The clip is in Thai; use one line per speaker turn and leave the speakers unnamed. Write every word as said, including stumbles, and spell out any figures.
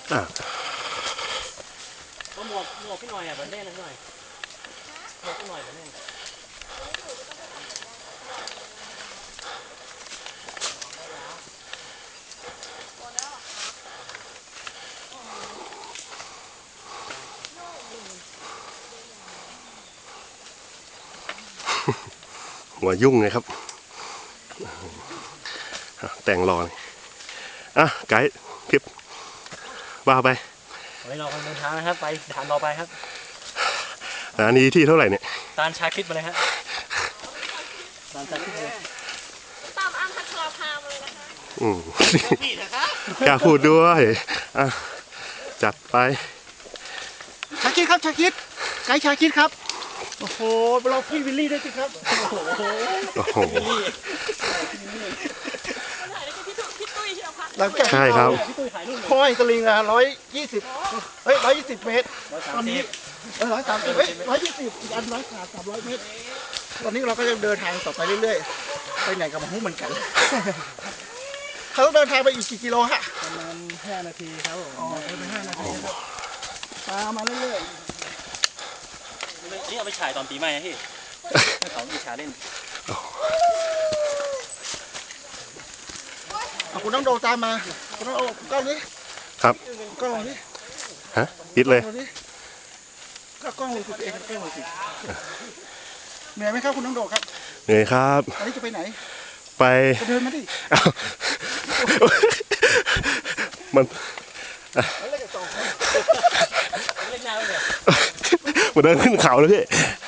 อ่ะ
ก็หมวกหมวกพี่หน่อยอ่ะแบบแน่นหน่อยหมวกพี่หน่อยแบบแน่น
หัวยุ่งเลยครับแต่งรออ่ะไกด์คลิปว่าไป
ไว้รอการเดินทางนะครับไปฐานต่อไปครับ
อันนี้ที่เท่าไหร่เนี่ย
ตาลชาคิดมาเลยฮะตาลชาคิดเลย
ตามอ้างพัชราภามาเลยนะคะ
อืมกล้าพูดด้วยอ่ะจัดไป
ชาคิดครับชาคิดไกด์ชาคิดครับโอ้โหเราพี่วิลลี่ด้วยสิครับโอ้โห
โอ้โห
หลังจาก
ใช่ครับ
ห้อยสลิงอะร้อยยี่สิบเฮ้ยร้อยยี่สิบเมตรตอนนี้เออร้อยสามสิบเฮ้ยร้อยยี่สิบอีกอันร้อยสามสามร้อยเมตรตอนนี้เราก็ยังเดินทางต่อไปเรื่อยๆไปไหนกับมาหูเหมือนกันเขาต้องเดินทางไปอีกกี่กิโลฮะ
ประมาณห้านาทีครับผม
อ๋อเดินไปห้านาทีครับตามมาเรื่อย
ๆนี่เอาไปฉายตอนปีใหม่นะพี่ให้เขามีฉายเล่น
คุณต้องโดตามมาคุณต้องเอากล้องนี้
ครับ
กล้องนี้
ฮะปิดเลย
ก็กล้องเลยคุณเองกล้องเลยสิเหนื่อยไหมครับคุณต้องโดครับ
เหนื่อยครับ
อันนี้จะไปไหน
ไป
เดินมาดิ
มันมันเดินขึ้นเขาเลยพี่